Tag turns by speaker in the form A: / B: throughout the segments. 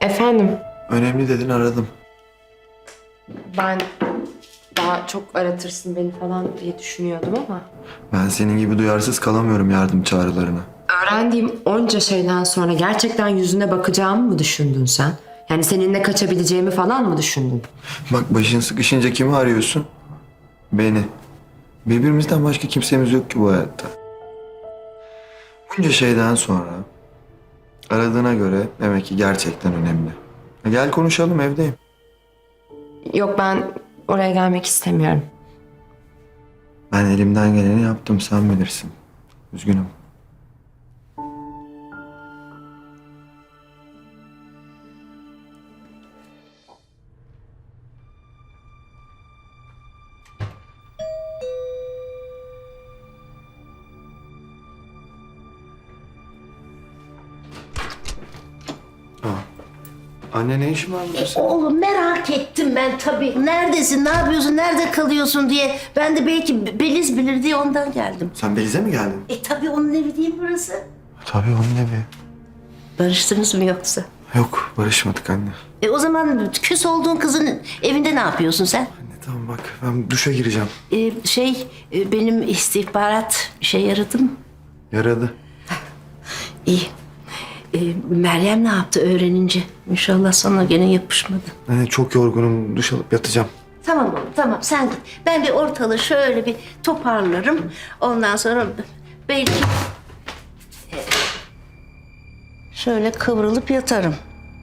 A: Efendim,
B: Önemli dedin, aradım.
A: ben daha çok aratırsın beni falan diye düşünüyordum ama...
B: Ben senin gibi duyarsız kalamıyorum yardım çağrılarına.
A: Öğrendiğim onca şeyden sonra gerçekten yüzüne bakacağımı mı düşündün sen? Yani seninle kaçabileceğimi falan mı düşündün?
B: Bak, başın sıkışınca kimi arıyorsun? Beni. Birbirimizden başka kimsemiz yok ki bu hayatta. Bunca şeyden sonra aradığına göre demek ki gerçekten önemli. Gel konuşalım, evdeyim.
A: Yok, ben oraya gelmek istemiyorum.
B: Ben elimden geleni yaptım, sen bilirsin. Üzgünüm. Anne, ne işin var burada senin?
C: Oğlum merak ettim ben tabii. Neredesin, ne yapıyorsun, nerede kalıyorsun diye. Ben de belki Beliz bilir diye ondan geldim.
B: Sen Beliz'e mi geldin?
C: Tabii onun evi değil burası.
B: Tabii, onun evi.
C: Barıştınız mı yoksa?
B: Yok, barışmadık anne.
C: O zaman küs olduğun kızın evinde ne yapıyorsun sen?
B: Anne tamam, bak ben duşa gireceğim.
C: Benim istihbarat işe yaradı mı?
B: Yaradı.
C: İyi. Meryem ne yaptı öğrenince? İnşallah sana gene yapışmadı.
B: Anne çok yorgunum, duş alıp yatacağım.
C: Tamam oğlum, tamam sen git. Ben bir ortalığı şöyle bir toparlarım. Ondan sonra belki şöyle kıvrılıp yatarım.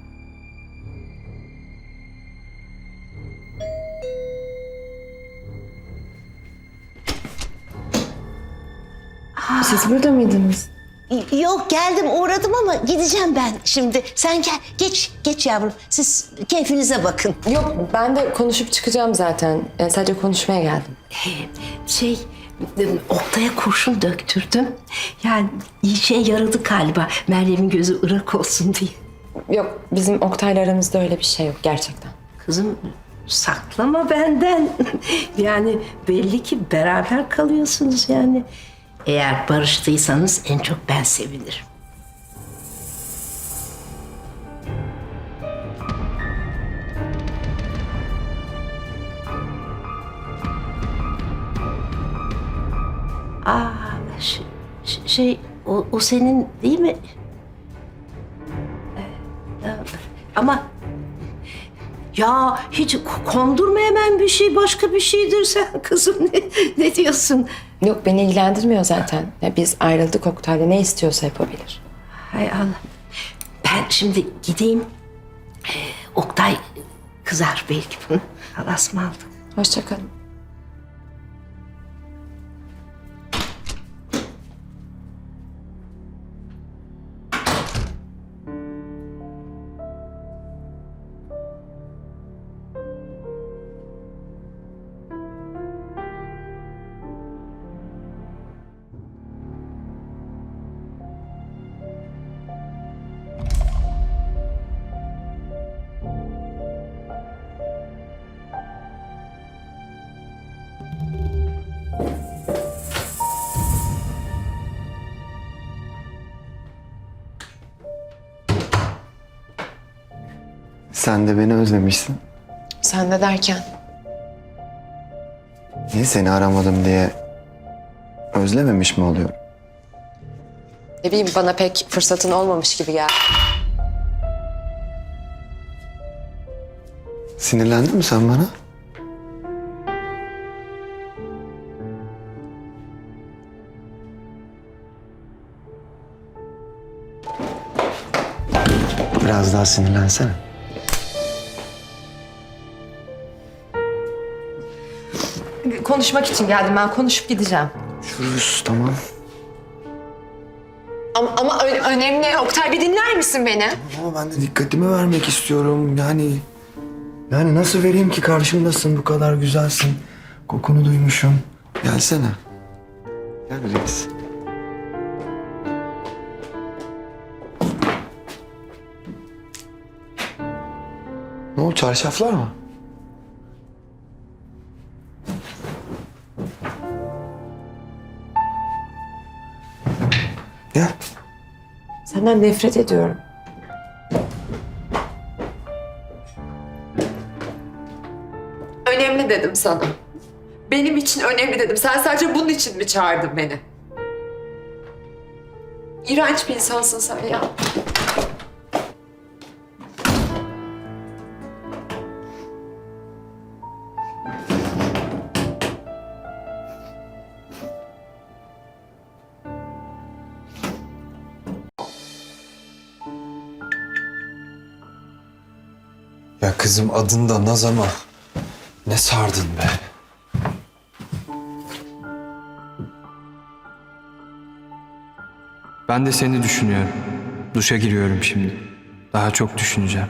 A: Siz burada mıydınız?
C: Yok geldim uğradım ama gideceğim ben şimdi. Sen gel geç yavrum. Siz keyfinize bakın.
A: Yok, ben de konuşup çıkacağım zaten. Yani sadece konuşmaya geldim.
C: Şey Oktay'a kurşun döktürdüm. Yani işe yaradı galiba. Meryem'in gözü ırak olsun diye.
A: Yok, bizim Oktay'la aramızda öyle bir şey yok gerçekten.
C: Kızım saklama benden. Yani belli ki beraber kalıyorsunuz yani. Eğer barıştıysanız en çok ben sevinirim. Aa, o senin değil mi? Ama ya hiç kondurma hemen bir şey başka bir şeydir sen kızım ne diyorsun?
A: Yok, beni ilgilendirmiyor zaten. Ya biz ayrıldık, Oktay'la ne istiyorsa yapabilir.
C: Hay Allah. Ben şimdi gideyim. Oktay kızar belki bunu. Allah'a ısmarladık.
A: Hoşça kalın.
B: Sen de beni özlemişsin.
A: Sen de derken?
B: Niye seni aramadım diye özlememiş mi oluyorum?
A: Ne bileyim, bana pek fırsatın olmamış gibi geldi.
B: Sinirlendin mi sen bana? Biraz daha sinirlensene.
A: Konuşmak için geldim ben, konuşup gideceğim.
B: Şuruz, tamam.
A: Ama önemli. Oktay, bir dinler misin beni?
B: Ama ben de dikkatimi vermek istiyorum. Yani nasıl vereyim ki, karşımdasın, bu kadar güzelsin. Kokunu duymuşum. Gelsene. Gel reis. Ne oldu, çarşaflar mı? Gel.
A: Senden nefret ediyorum. önemli dedim sana. Benim için önemli dedim. Sen sadece bunun için mi çağırdın beni? İğrenç bir insansın sen ya.
D: Ya kızım adın da Naz ama ne sardın be. Ben de seni düşünüyorum. Duşa giriyorum şimdi. Daha çok düşüneceğim.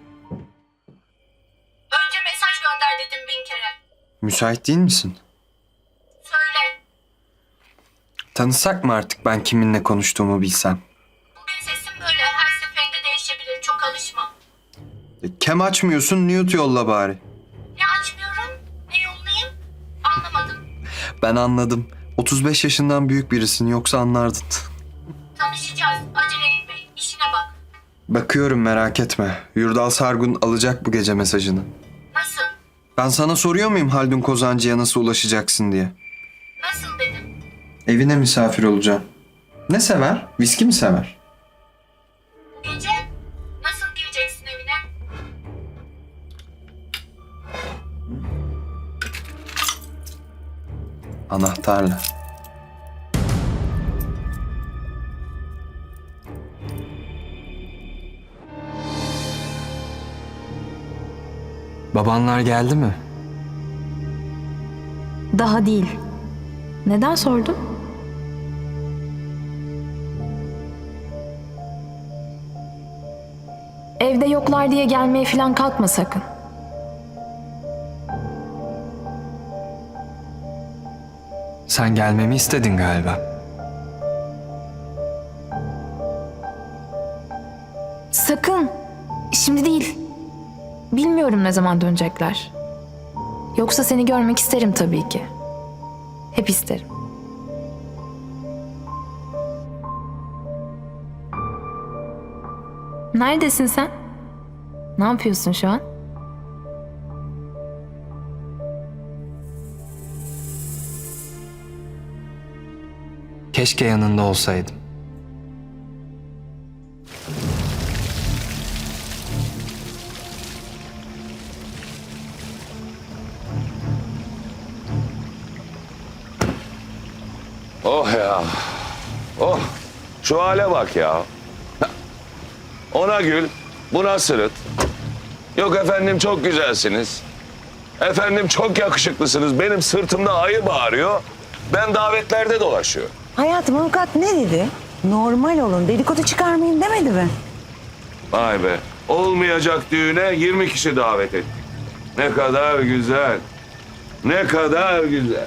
E: Önce mesaj gönder dedim 1000 kere.
D: Müsait değil misin?
E: Söyle.
D: Tanısak mı artık ben kiminle konuştuğumu bilsem?
E: Bugün sesim böyle her seferinde değişebilir. Çok alışma.
D: Kem açmıyorsun, mute yolla bari.
E: Ne açmıyorum? Ne yollayayım? Anlamadım.
D: Ben anladım. 35 yaşından büyük birisin yoksa anlardın.
E: Tanışacağız. Acele etme. İşine bak.
D: Bakıyorum merak etme. Yurdal Sargun alacak bu gece mesajını.
E: Nasıl?
D: Ben sana soruyor muyum Haldun Kozancı'ya nasıl ulaşacaksın diye?
E: Nasıl dedim.
D: Evine misafir olacağım. Ne sever? Viski mi sever?
E: Bu gece nasıl gireceksin evine?
D: Anahtarla. Babanlar geldi mi?
F: Daha değil. Neden sordun? Evde yoklar diye gelmeye falan kalkma sakın.
D: Sen gelmemi istedin galiba.
F: Sakın. Şimdi değil. Bilmiyorum ne zaman dönecekler. Yoksa seni görmek isterim tabii ki. Hep isterim. Neredesin sen? Ne yapıyorsun şu an?
D: Keşke yanında olsaydım.
G: Oh ya. Oh. Şu hale bak ya. Ona gül, buna sırıt. Yok efendim çok güzelsiniz. Efendim çok yakışıklısınız. Benim sırtımda ayı bağırıyor. Ben davetlerde dolaşıyorum.
H: Hayatım avukat ne dedi? Normal olun, dedikodu çıkarmayın demedi mi?
G: Vay be. Olmayacak düğüne 20 kişi davet ettik. Ne kadar güzel. Ne kadar güzel.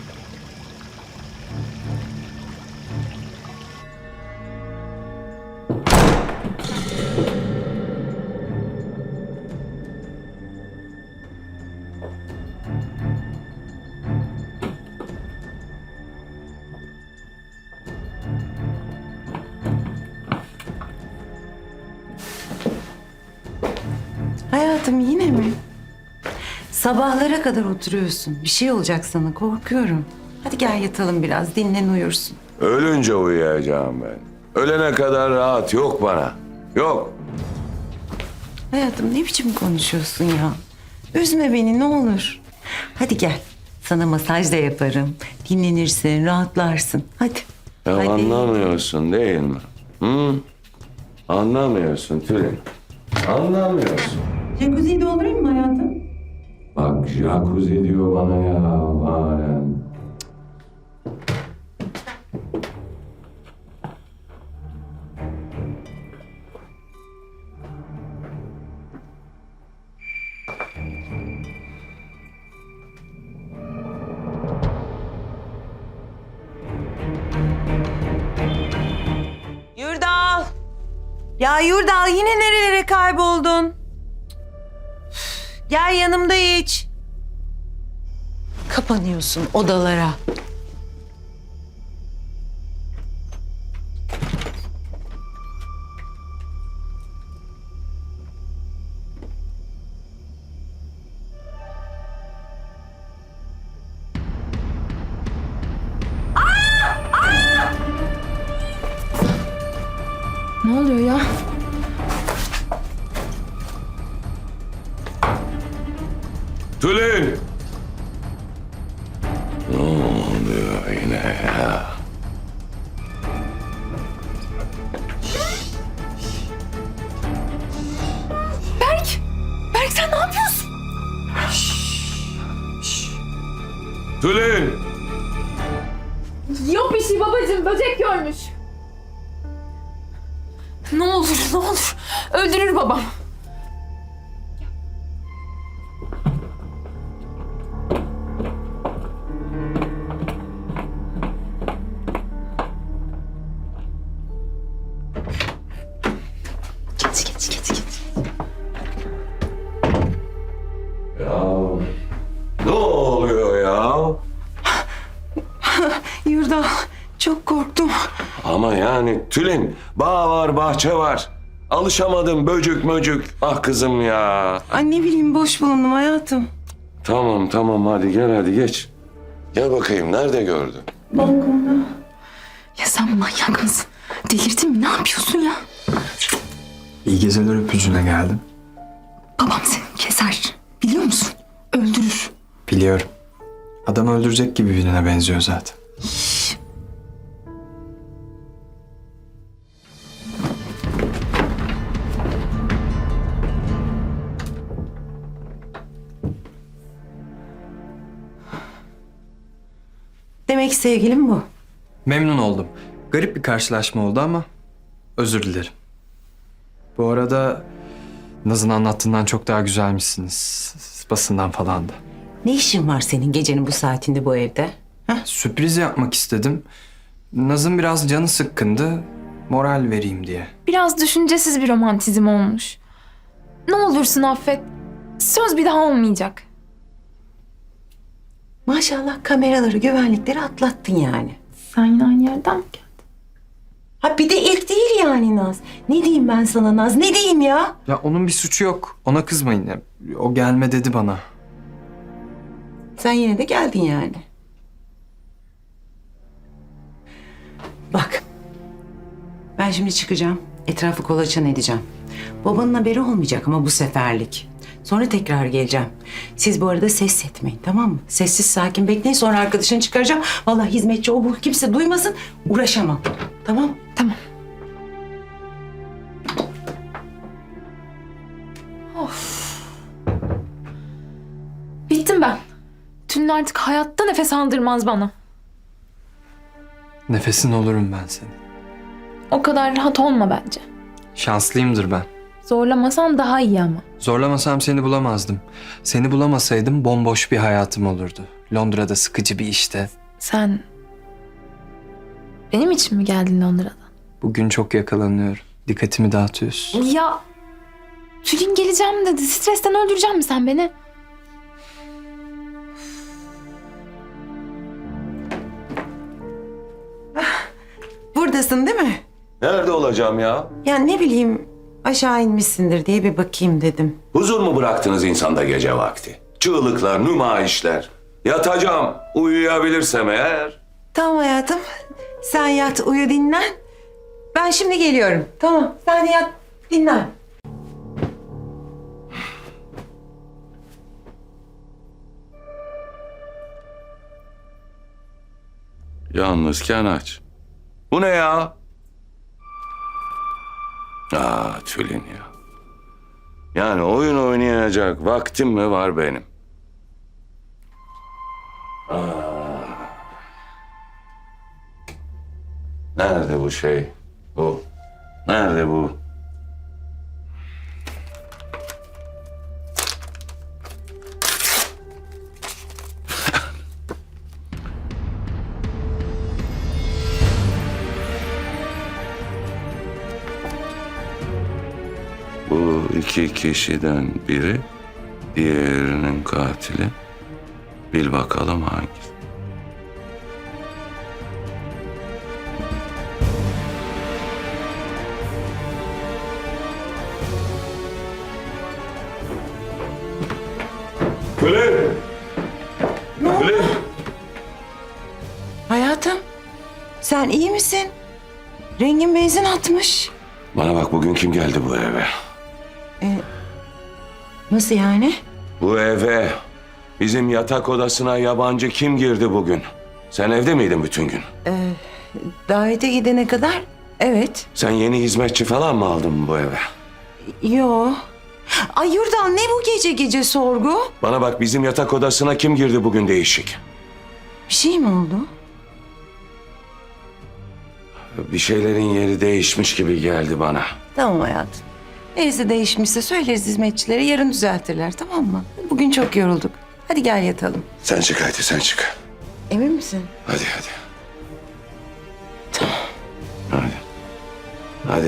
H: Hayatım yine mi? Sabahlara kadar oturuyorsun. Bir şey olacak sana, korkuyorum. Hadi gel yatalım biraz, dinlen uyursun.
G: Ölünce uyuyacağım ben. Ölene kadar rahat yok bana. Yok.
H: Hayatım ne biçim konuşuyorsun ya? Üzme beni ne olur. Hadi gel, sana masaj da yaparım. Dinlenirsin, rahatlarsın. Hadi.
G: Ya
H: Hadi.
G: anlamıyorsun değil mi? Hı? Anlamıyorsun Tülin. Anlamıyorsun.
H: Jacuzziyi doldurayım mı hayatım?
G: Bak jacuzzi diyor bana ya. Alem.
H: Yurdal! Ya Yurdal yine nerelere kayboldun? Gel yanımda iç. Kapanıyorsun odalara.
F: Ne oluyor ya?
G: Tülin! Ne oluyor yine ya?
F: Berk sen ne yapıyorsun?
G: Tülin!
F: Yok bir şey babacığım. Böcek görmüş. Ne olur ne olur. Öldürür babam.
G: Ne oluyor ya?
H: Yurdal çok korktum.
G: Ama yani Tülin, bağ var, bahçe var. Alışamadım böcük möcük. Ah kızım ya.
H: Ay ne bileyim boş bulundum hayatım.
G: Tamam hadi gel hadi geç. Gel bakayım nerede gördün?
F: Ya sen manyak mısın? Delirdin mi? Ne yapıyorsun ya?
D: İyi geceler öpücüğüne geldim.
F: Babam seni keser. Biliyor musun? Öldürür.
D: Biliyorum. Adam öldürecek gibi birine benziyor zaten.
H: Demek sevgilim bu.
D: Memnun oldum. Garip bir karşılaşma oldu ama özür dilerim. Bu arada Naz'ın anlattığından çok daha güzelmişsiniz. Basından falan da.
H: Ne işin var senin gecenin bu saatinde bu evde?
D: Sürpriz yapmak istedim. Naz'ın biraz canı sıkkındı. Moral vereyim diye.
F: Biraz düşüncesiz bir romantizm olmuş. Ne olursun affet. Söz bir daha olmayacak.
H: Maşallah kameraları, güvenlikleri atlattın yani.
F: Sen yine aynı yerden mi geldin?
H: Ha bir de ilk değil yani Naz. Ne diyeyim ben sana Naz, ne diyeyim ya?
D: Ya onun bir suçu yok. Ona kızmayın. Ya, o gelme dedi bana.
H: Sen yine de geldin yani. Bak. Ben şimdi çıkacağım. Etrafı kolaçan edeceğim. Babanın haberi olmayacak ama bu seferlik. Sonra tekrar geleceğim. Siz bu arada ses etmeyin, tamam mı? Sessiz sakin bekleyin, sonra arkadaşını çıkaracağım. Vallahi hizmetçi o bu kimse duymasın, uğraşamam. Tamam?
F: Tamam. Of. Bittim ben. Tülin artık hayatta nefes aldırmaz bana.
D: Nefesin olurum ben senin.
F: O kadar rahat olma bence.
D: Şanslıyımdır ben.
F: Zorlamasan daha iyi ama.
D: Zorlamasam seni bulamazdım. Seni bulamasaydım bomboş bir hayatım olurdu. Londra'da sıkıcı bir işte.
F: Sen benim için mi geldin Londra'dan?
D: Bugün çok yakalanıyorum. Dikkatimi dağıtıyorsun.
F: Ya Tülin geleceğim dedi. Stresten öldürecek mi sen beni?
H: Buradasın değil mi?
G: Nerede olacağım ya?
H: Ya ne bileyim aşağı inmişsindir diye bir bakayım dedim.
G: Huzur mu bıraktınız insanda gece vakti? Çığlıklar, nümayişler. Yatacağım, uyuyabilirsem eğer.
H: Tamam hayatım. Sen yat, uyu, dinlen. Ben şimdi geliyorum. Tamam, sen de yat, dinlen.
G: Yalnızken aç. Bu ne ya? Tülin ya. Yani oyun oynayacak vaktim mi var benim? Nerede bu şey? Bu. Nerede bu? Bu iki kişiden biri diğerinin katili. Bil bakalım hangisi? Tülin! Tülin!
H: Hayatım, sen iyi misin? Rengin benzin atmış.
G: Bana bak, bugün kim geldi bu eve?
H: Nasıl yani?
G: Bu eve, bizim yatak odasına yabancı kim girdi bugün? Sen evde miydin bütün gün?
H: Davete gidene kadar evet.
G: Sen yeni hizmetçi falan mı aldın bu eve?
H: Yo. Ay Yurdal, ne bu gece gece sorgu?
G: Bana bak, bizim yatak odasına kim girdi bugün değişik?
H: Bir şey mi oldu?
G: Bir şeylerin yeri değişmiş gibi geldi bana.
H: Tamam hayatım. Neresi değişmişse söyleriz hizmetçilere, yarın düzeltirler, tamam mı? Bugün çok yorulduk. Hadi gel yatalım.
G: Sen çık hadi, sen çık.
H: Emin misin?
G: Hadi. Hadi.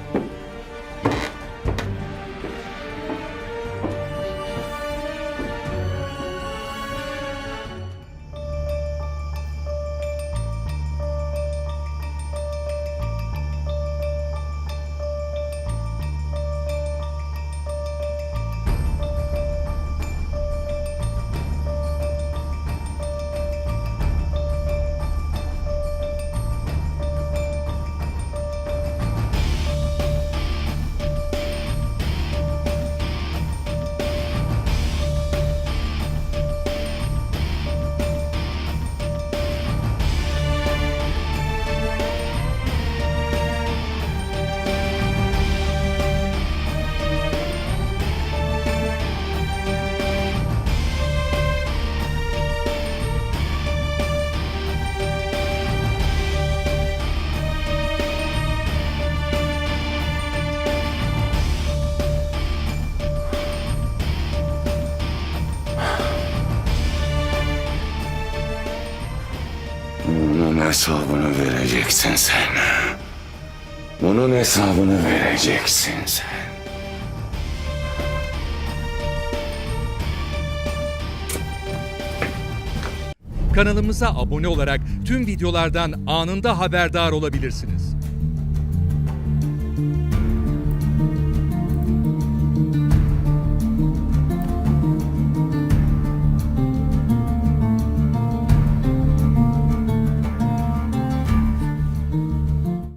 G: Bunun hesabını vereceksin sen. Bunun hesabını vereceksin sen.
I: Kanalımıza abone olarak tüm videolardan anında haberdar olabilirsiniz.